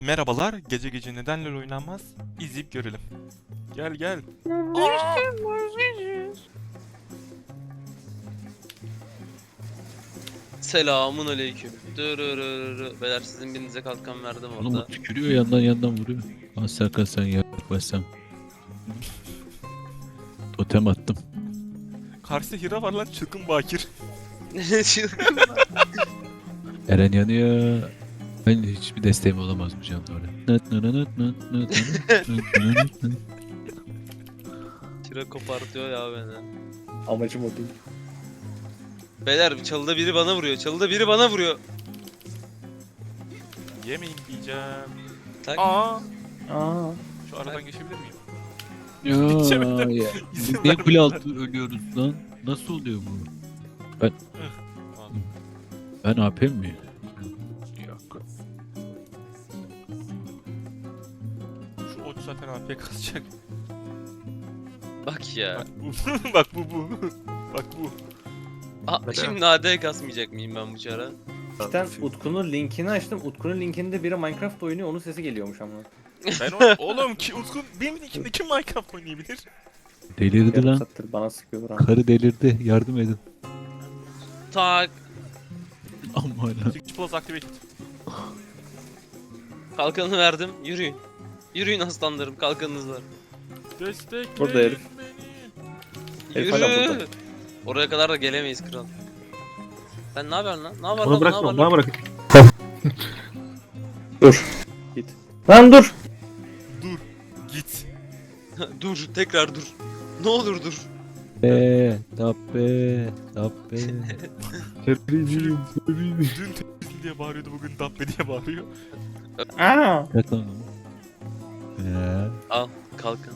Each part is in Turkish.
Merhabalar, gece gece neden LoL oynanmaz? İzleyip görelim. Gel gel. Selamun aleyküm. Beyler sizin birinize kalkan verdim Oğlum o orada. tükürüyor yandan vuruyor. Lan Serkan sen yaklaşsan. Totem attım. Karşıda Hira var lan, çılgın bakir. Ne çılgın. Eren yanıyor. Ben hiçbir desteğim olamaz bu canlı oraya. Çıra kopartıyor ya beni. Amacım o değil. Beyler çalıda biri bana vuruyor. Çalıda biri bana vuruyor. Yemeyin diyeceğim. Tak. Aa, Aa. şu aradan geçebilir miyim? Ya, Geçemedim. ya. İzin Biz niye kule vermediler. altı ölüyoruz lan? Nasıl oluyor bu? Al. Ben AP mi? Yok. Şu ot zaten AP kasacak. Bak ya. Bak bu. Bak bu. Bak bu. Aa, şimdi AD kasmayacak mıyım ben bu çara? Cidden Utku'nun linkini açtım. Utku'nun linkinde biri Minecraft oynuyor. Onun sesi geliyormuş ama. Ben oğlum ki Utkun benim linkimde kim Minecraft oynayabilir? Delirdi Yarım lan. saattir bana sıkıyor buram. Karı delirdi. Yardım edin. Tak. Aman lan. Switch Plus activate. Kalkanı verdim. Yürüyün. Yürüyün aslanlarım. Kalkanınız var. Destekleyin Burada herif. beni. Herif hala Yürü. burada. Oraya kadar da gelemeyiz kral. Sen ne yapıyorsun lan? Ne yapıyorsun Onu lan? bırakma, Ne bana yapıyorsun bırak. Dur. Git. Lan dur. Dur. Git. lan? Dur. Tekrar dur. Ne olur dur. Tappe. Teröriyim, teröriyim. Dün temizli diye bağırıyordu, bugün dabbe diye bağırıyor. Aa. Yak lan. Al. Kalkan.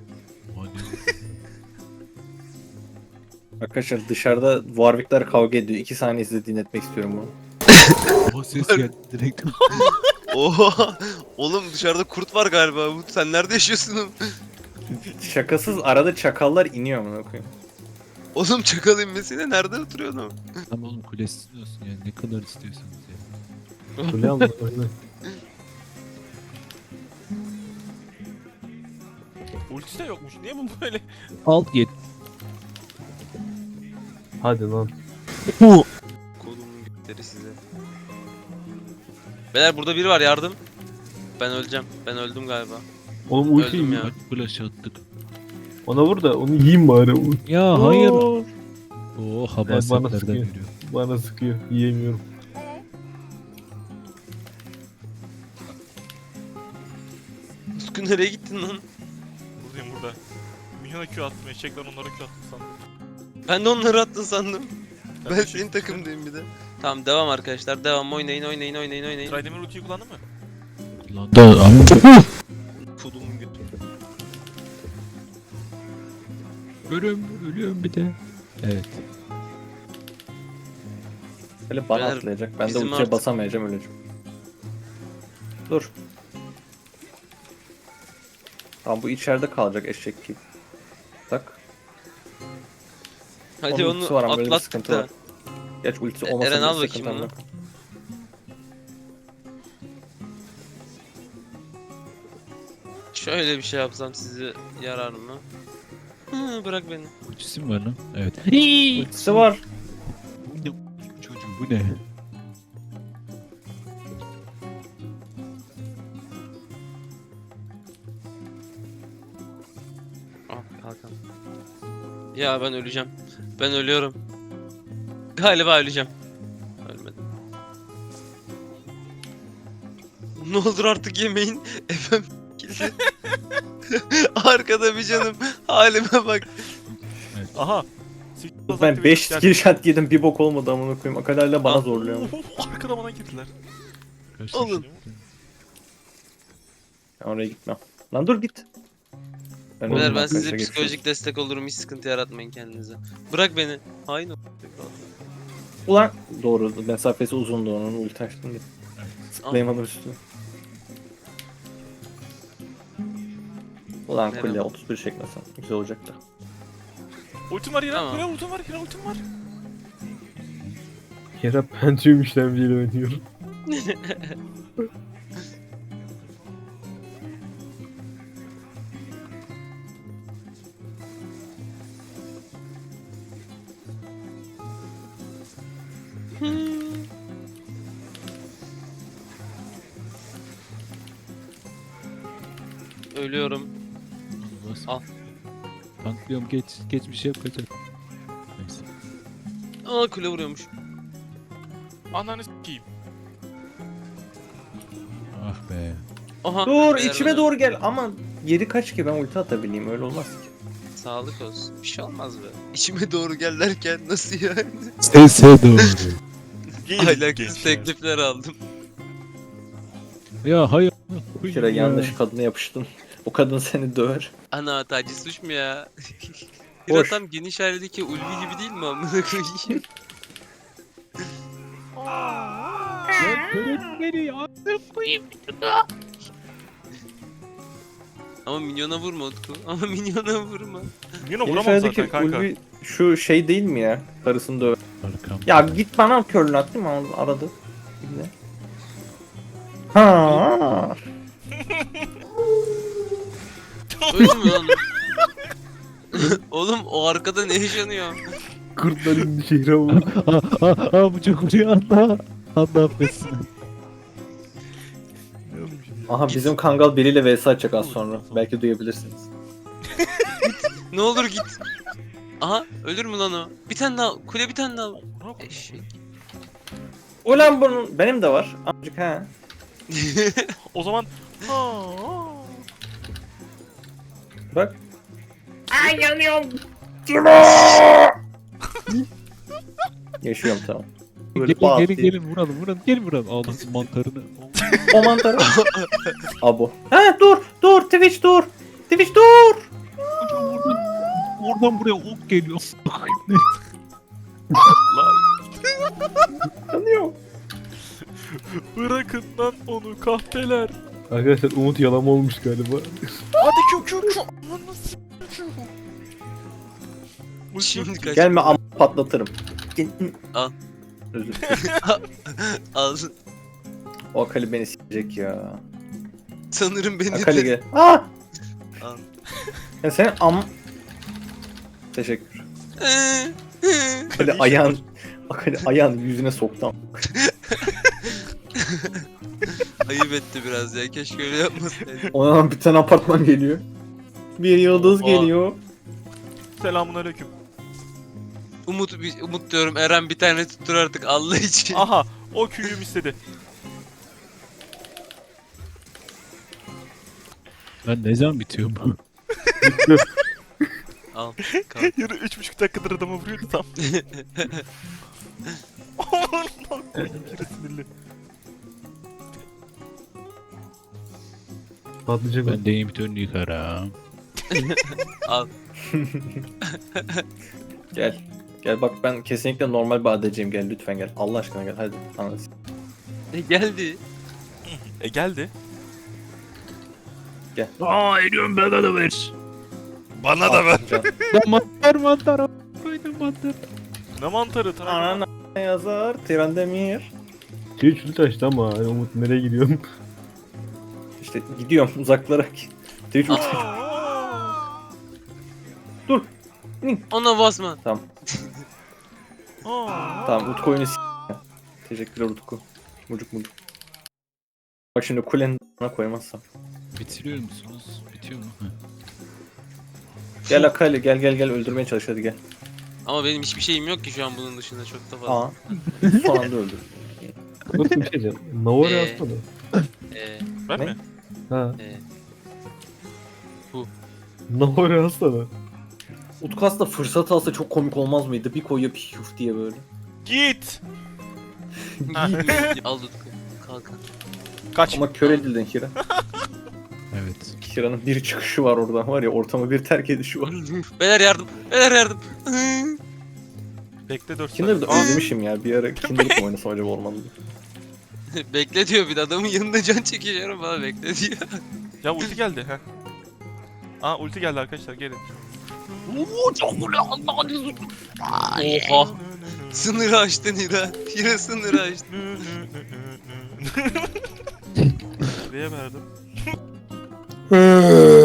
Arkadaşlar dışarıda Warwick'ler kavga ediyor. 2 saniye size dinletmek istiyorum bunu. O ses geldi direkt. Oha! Oğlum dışarıda kurt var galiba. Sen nerede yaşıyorsun? Şakasız arada çakallar iniyor amına koyayım. Oğlum çakal inmesiyle nerede oturuyorsun? Tamam oğlum kulesi olsun yani ne kadar istiyorsanız ya. Kule alma, oyna. Ultisi de yokmuş. Niye bu böyle? Alt yet. Hadi lan. Kolumun gökleri size. Beyler burada biri var, yardım. Ben öleceğim. Ben öldüm galiba. Oğlum ulti Öldüm yiyeyim. ya. Kaç flash attık. Ona vur da onu yiyeyim bari. Ya hayır. Oo, Oo bana habasetlerden sıkıyor. geliyor. Bana sıkıyor. Yiyemiyorum. Uskun nereye gittin lan? Buradayım burada. Minyona Q attım, eşekler onlara Q attım sandım. Ben de onları attın sandım. Ben de senin takımdayım bir de. Tamam devam arkadaşlar. Devam, oynayın. Tridemir ultiyi kullandın mı? Lan da ama Kolumun götü. ölüyorum bir de. Evet. Böyle bana Beyler, atlayacak. Ben de bizim ultiye artık- basamayacağım öleceğim. Dur. Tamam bu içeride kalacak eşek gibi. Tak. Hadi Onun ultisi onu var ama böyle bir atlattık sıkıntı da. var. Geç ultisi Eren, olmasa al bile bakayım sıkıntı bunu. var. Şöyle bir şey yapsam sizi yarar mı? Hı, bırak beni. Ultisi mi var lan? Evet. Ultisi var. Bu ne çocuğu bu ne? Ah kalkan. Ya ben öleceğim. Ben ölüyorum. Galiba öleceğim. Ölmedim. Ne olur artık yemeyin. Efendim. Arkada bir canım. Halime bak. Aha. Switch Plus Ben activate 5 geldi. skill shot yedim bir bok olmadı amına koyayım. Akalarla bana Al. zorluyor. ama. Arkada bana girdiler. Alın. Ben oraya gitmem. Lan dur git. Beyler öldüm ben size arkadaşlar, psikolojik geçiyoruz. destek olurum. Hiç sıkıntı yaratmayın kendinize. Bırak beni. Hain ol. Ulan doğru mesafesi uzundu onun ulti açtım diye. Zıplayamadım üstüne. Ulan Merhaba. kule 31 çekmesem güzel olacaktı. Ultim var yine. Tamam. Buraya ultim var. Yine ultim var. Yara Pentium işlemciyle oynuyorum. Ölüyorum. Olmaz. Al. Tanklıyorum geç bir şey yapacak. Neyse. Aa kule vuruyormuş. Ananı s**eyim. Ah be. Aha. Dur beyler içime öldü. doğru gel ama yeri kaç ki ben ulti atabileyim öyle olmaz ki. Sağlık olsun. Bir şey olmaz be. İçime doğru gel derken nasıl yani? Sese doğru. Gelin Ahlaksız teklifler aldım. Ya hayır. Kira yanlış kadına yapıştın. O kadın seni döver. Ana taciz suç mu ya? Bir Boş. tam geniş ailedeki Ulvi gibi değil mi amına koyayım? Ama minyona vurma Utku. Ama minyona vurma. Yine Yeni vuramam şehirdeki zaten kanka. Ulvi şu şey değil mi ya? Karısını döver. Arkam. Ya git bana körlü at değil mi? Aradı. Ne? Ha. Öyle mi lan? Oğlum o arkada ne yaşanıyor? Kurtlar indi şehre vurdu. Bu çok vuruyor anda. Anda affetsin. Aha bizim Kangal biriyle vs atacak az sonra. Belki duyabilirsiniz. Ne olur git. Aha ölür mü lan o? Bir tane daha kule bir tane daha. Eşek. Ulan bunun benim de var. Amcık ha. O zaman Bak. Ay yanıyorum. Yaşıyorum tamam. Böyle Gelin pat gelin diye. gelin vuralım. Gelin vuralım. Ağlasın mantarını. O mantarı. Abo. Ha dur Twitch dur. Twitch dur. Oradan buraya ok geliyor. Yanıyorum. bırakın lan onu kahpeler. Arkadaşlar Umut yalama olmuş galiba. Hadi kü. Ananı s**eyim. Şimdi kaç. Gelme am patlatırım. Al. Özür dilerim. Al. O Akali beni s**ecek ya. Sanırım beni Akali de. gel. Aa! Al. Ya senin am... Teşekkür. Akali ayağın yüzüne soktu. Ayıp etti biraz ya. Keşke öyle yapmasaydı. Ona bir tane apartman geliyor. Bir yıldız Oha. geliyor. Selamun aleyküm. Umut diyorum. Eren bir tane tuttur artık Allah için. Aha o küyüm istedi. Ben ne zaman bitiyor bu? Al. Kalk. Yarı 3,5 dakikadır adamı vuruyordu tam. Aman lan yürü sinirli. Patlayacak o. Ben de imitörünü yıkarım. Al. Gel. Gel bak ben kesinlikle normal bir ADC'yim gel lütfen gel. Allah aşkına gel hadi. Anladın. Geldi. Geldi. Aa eriyorum bana da ver. Bana da ver. Mantar. Koydum mantar. Ne mantarı tabii. Anana yazar. Tirandemir. Şey çürü taştı ama hani Umut nereye gidiyorsun? İşte gidiyorum uzaklara. Twitch ulti. Dur. Ona basma. Tamam. Tamam Utku oyunu s***. Teşekkürler Utku. Mucuk. Bak şimdi kulenin koymazsam. Bitiriyor musunuz? Bitiyor mu? Hı. Gel Akali gel öldürmeye çalış hadi gel. Ama benim hiçbir şeyim yok ki şu an bunun dışında çok da fazla. Aa. Son anda öldür. Nasıl bir şey diyeceğim? Navara Ee. yazsana. Ben Ne? mi? Ha. Ee, Navara yazsana. Utku aslında fırsat alsa çok komik olmaz mıydı? Bir koyuyor piyuf diye böyle. Git. Al Utku. Kalk. Kaç. Ama kör edildin Hira. Evet. Hira'nın bir çıkışı var oradan var ya ortamı bir terk edişi var. Beyler yardım. Beyler yardım. Bekle 4 Kinder'ı da saniye. özlemişim ya. Bir ara Kinder'ı mı oynasam acaba ormanda? Bekle diyor bir de adamın yanında can çekişiyorum bana bekle diyor. Ya ulti geldi. Heh. Aa ulti geldi arkadaşlar gelin. Oha. Sınırı aştın Hira. Hira sınırı aştı. Buraya verdim.